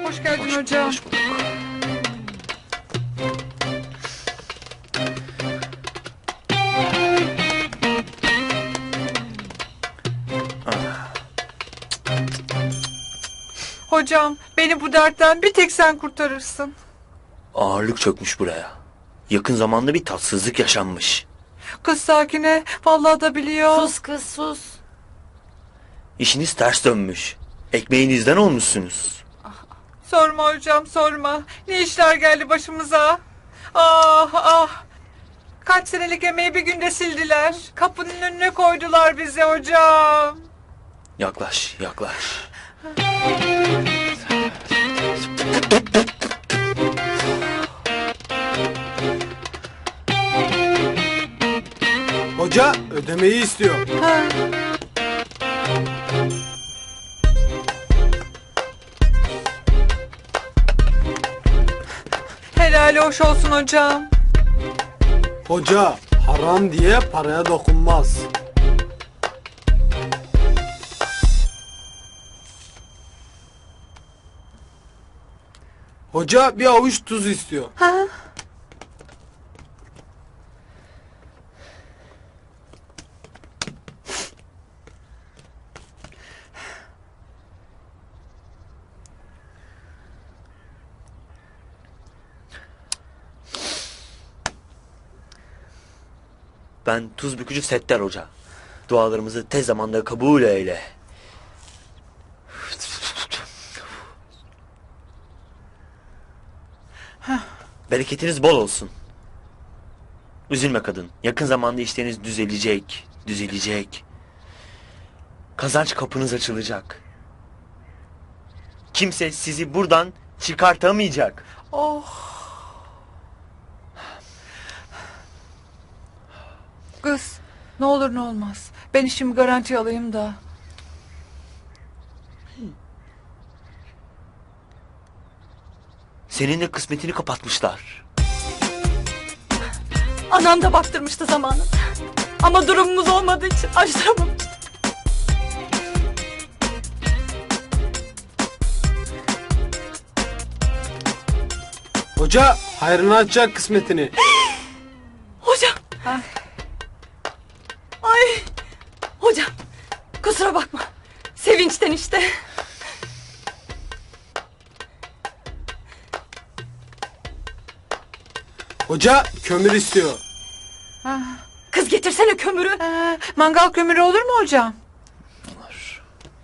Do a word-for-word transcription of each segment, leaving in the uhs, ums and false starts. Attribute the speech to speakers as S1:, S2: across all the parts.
S1: Hoş geldin hoş, hocam. Hoş bulduk. Hocam, beni bu dertten bir tek sen kurtarırsın.
S2: Ağırlık çökmüş buraya. Yakın zamanda bir tatsızlık yaşanmış.
S1: Kız Sakine, vallahi da biliyor.
S3: Sus kız sus.
S2: İşiniz ters dönmüş. Ekmeğinizden olmuşsunuz.
S1: Sorma hocam, sorma. Ne işler geldi başımıza. Ah ah. Kaç senelik emeği bir günde sildiler. Kapının önüne koydular bizi hocam.
S2: Yaklaş, yaklaş.
S4: Hoca ödemeyi istiyor.
S1: Ha. Helali hoş olsun hocam.
S4: Hoca haram diye paraya dokunmaz. Hoca bir avuç tuz istiyor.
S1: Ha?
S2: Ben tuz bükücü Settar Hoca. Dualarımızı tez zamanda kabul eyle. Bereketiniz bol olsun. Üzülme kadın. Yakın zamanda işleriniz düzelecek, düzelecek. Kazanç kapınız açılacak. Kimse sizi buradan çıkartamayacak.
S1: Oh. Kız, ne olur ne olmaz. Ben işimi garanti alayım da.
S2: Senin de kısmetini kapatmışlar.
S3: Anam da baktırmıştı zamanında. Ama durumumuz olmadığı için açtıramamıştı.
S4: Hoca hayrını açacak kısmetini.
S3: Hocam.
S1: Ha?
S3: Ay. Hocam. Kusura bakma. Sevinçten işte.
S4: Hoca kömür istiyor.
S1: Ha.
S3: Kız getirsene kömürü.
S1: Ha, mangal kömürü olur mu hocam?
S2: Olur.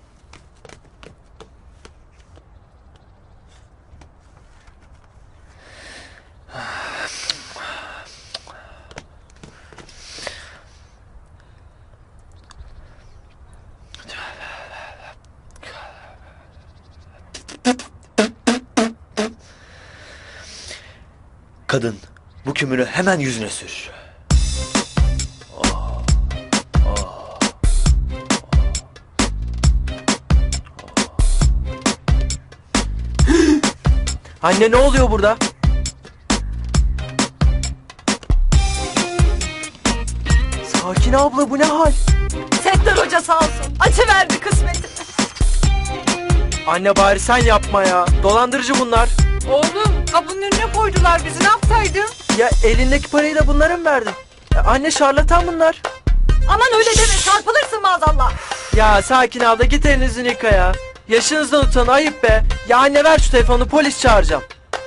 S2: Kadın, bu kömürü hemen yüzüne sür.
S5: Anne ne oluyor burada? Sakin abla bu ne hal?
S3: Settar Hoca sağ olsun. Açıverdi kısmetini.
S5: Anne bari sen yapma ya. Dolandırıcı bunlar.
S1: Oğlum, kapının önüne koydular bizi. Ne yapsaydın?
S5: Ya elindeki parayı da bunlara mı verdin? Ya anne şarlatan bunlar.
S3: Aman öyle deme, çarpılırsın maazallah.
S5: Ya sakin abla git elinizi yıka ya. Yaşınızdan utanın, ayıp be. Ya anne ver şu telefonu, polis çağıracağım.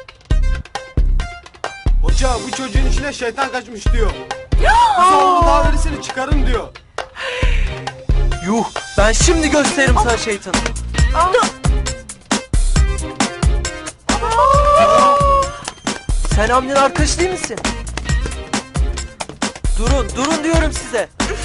S4: Hoca bu çocuğun içine şeytan kaçmış diyor. Kız oğlu daha verisini çıkarın diyor.
S5: Yuh, ben şimdi gösteririm sana şeytanı. Sen Hamdi'nin arkadaşı değil misin? Durun, durun diyorum size.